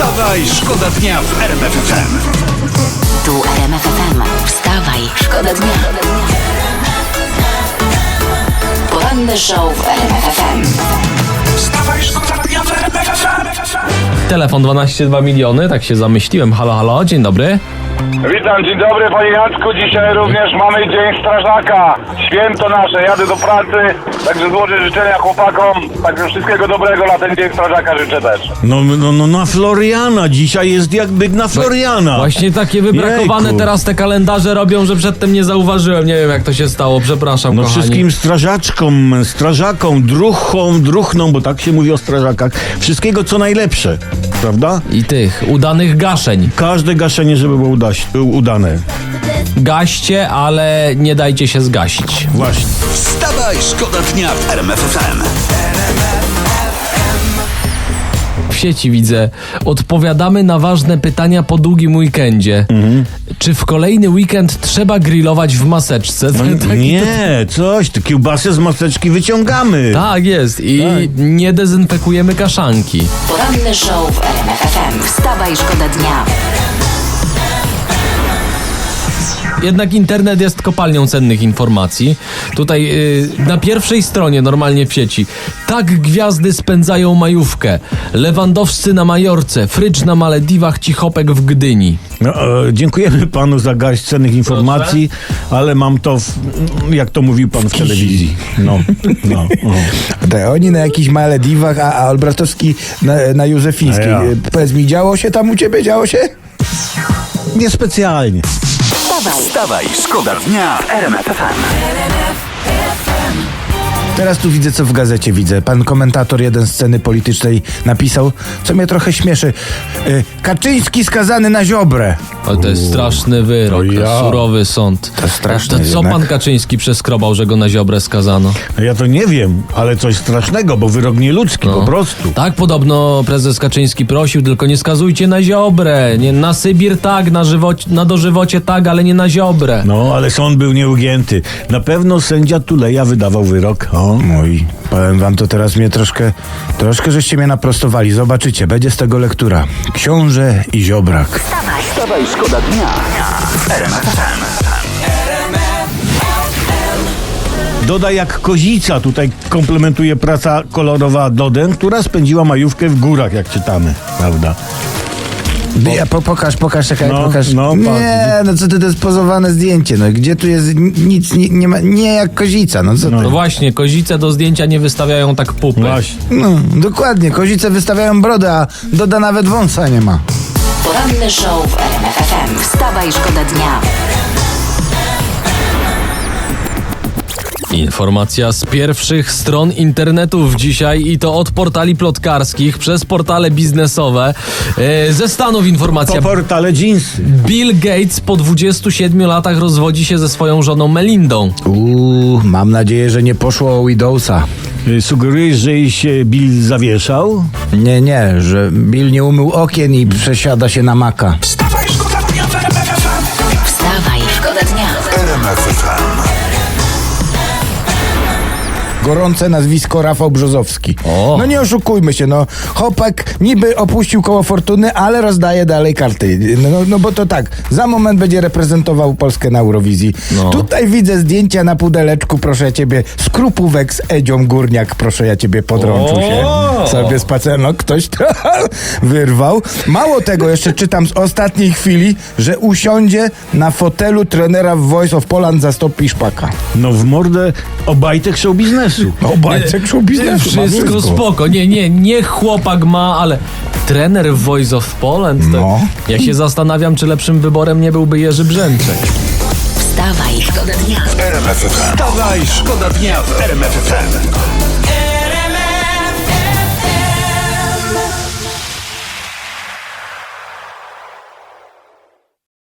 Wstawaj, szkoda dnia w RMF FM. Tu RMF FM. Wstawaj, szkoda dnia. Poranny show w RMF FM. Wstawaj, szkoda dnia w RMF FM. Telefon 12,2 miliony, tak się zamyśliłem. Halo, halo, dzień dobry. Witam, dzień dobry panie Jacku. Dzisiaj również mamy Dzień Strażaka. Święto nasze, jadę do pracy, także złożę życzenia chłopakom. Także wszystkiego dobrego na ten Dzień Strażaka życzę też. No, na Floriana. Dzisiaj jest jakby na Floriana. Właśnie takie wybrakowane Jejku. teraz te kalendarze robią, że przedtem nie zauważyłem. Nie wiem, jak to się stało, przepraszam, No kochani. wszystkim strażakom, druchnom, bo tak się mówi o strażakach. Wszystkiego co najlepsze, prawda? I tych udanych gaszeń. Każde gaszenie, żeby było udane. Gaście, ale nie dajcie się zgasić. Właśnie. Wstawaj, szkoda dnia w RMF FM. W sieci widzę. Odpowiadamy na ważne pytania po długim weekendzie. Czy w kolejny weekend trzeba grillować w maseczce? Nie, te kiełbasy z maseczki wyciągamy. Tak jest. I nie dezynfekujemy kaszanki. Poranny show w RMF FM. Wstawaj, szkoda dnia. Jednak internet jest kopalnią cennych informacji. Tutaj na pierwszej stronie normalnie w sieci. Tak gwiazdy spędzają majówkę. Lewandowscy na Majorce, Frycz na Malediwach, Cichopek w Gdyni. No, dziękujemy panu za garść cennych informacji, ale mam to, jak to mówił pan w telewizji. No. Oni na jakichś Malediwach, a Olbratowski na Józefińskiej. A ja. Powiedz mi, działo się tam u ciebie? Działo się? Niespecjalnie. Wstawaj, szkoda dnia w RMF FM. Teraz tu widzę, co w gazecie widzę. Pan komentator jeden sceny politycznej napisał, co mnie trochę śmieszy. Kaczyński skazany na Ziobrę. Ale to jest straszny wyrok, To ja. surowy sąd. To straszne To co jednak. pan Kaczyński przeskrobał, że go na Ziobrę skazano? Ja to nie wiem, ale coś strasznego, bo wyrok nieludzki po prostu. Tak, podobno prezes Kaczyński prosił, tylko nie skazujcie na Ziobrę. Nie, na Sybir tak, na dożywocie tak, ale nie na Ziobrę. No, ale sąd był nieugięty. Na pewno sędzia Tuleja wydawał wyrok. Mój, powiem wam to teraz mnie troszkę żeście mnie naprostowali. Zobaczycie, będzie z tego lektura. Książę i Ziobrak. Wstawaj, szkoda dnia w RMF FM. Doda jak kozica, tutaj komplementuje praca kolorowa Dodę, która spędziła majówkę w górach, jak czytamy, prawda? Pokaż, czekaj, No, pokaż. no, Nie, no co ty, to jest pozowane zdjęcie. No gdzie tu jest nic, nie ma, nie jak kozica, no co ty? No właśnie, kozice do zdjęcia nie wystawiają tak pupy. Właśnie. No, dokładnie, kozice wystawiają brodę, a Doda nawet wąsa nie ma. Poranny show w RMF FM. Wstawaj, szkoda dnia. Informacja z pierwszych stron internetów dzisiaj i to od portali plotkarskich przez portale biznesowe. Ze Stanów informacja. Po portale Jeansy. Bill Gates po 27 latach rozwodzi się ze swoją żoną Melindą. Mam nadzieję, że nie poszło o Widowsa. Sugerujesz, że się Bill zawieszał? Nie, że Bill nie umył okien i przesiada się na Maca. Wstawaj, szkoda dnia w RMF FM. Wstawaj, szkoda dnia. RMF FM. Gorące nazwisko Rafał Brzozowski. O. No nie oszukujmy się, no. Chłopak niby opuścił koło fortuny, ale rozdaje dalej karty. No bo to tak, za moment będzie reprezentował Polskę na Eurowizji. No. Tutaj widzę zdjęcia na pudeleczku, proszę ja ciebie, skrupówek z Edzią Górniak, proszę ja ciebie, podrączył się. Sobie spacer, no ktoś to wyrwał. Mało tego, jeszcze czytam z ostatniej chwili, że usiądzie na fotelu trenera w Voice of Poland zastąpi Szpaka. No w mordę obajtek show biznesu. Obajtek show biznesu. ma Wszystko spoko. Nie chłopak ma, ale trener w Voice of Poland. To No. Ja się zastanawiam, czy lepszym wyborem nie byłby Jerzy Brzęczek. Wstawaj, szkoda dnia. RMF FM. Wstawaj, szkoda dnia w RMF FM.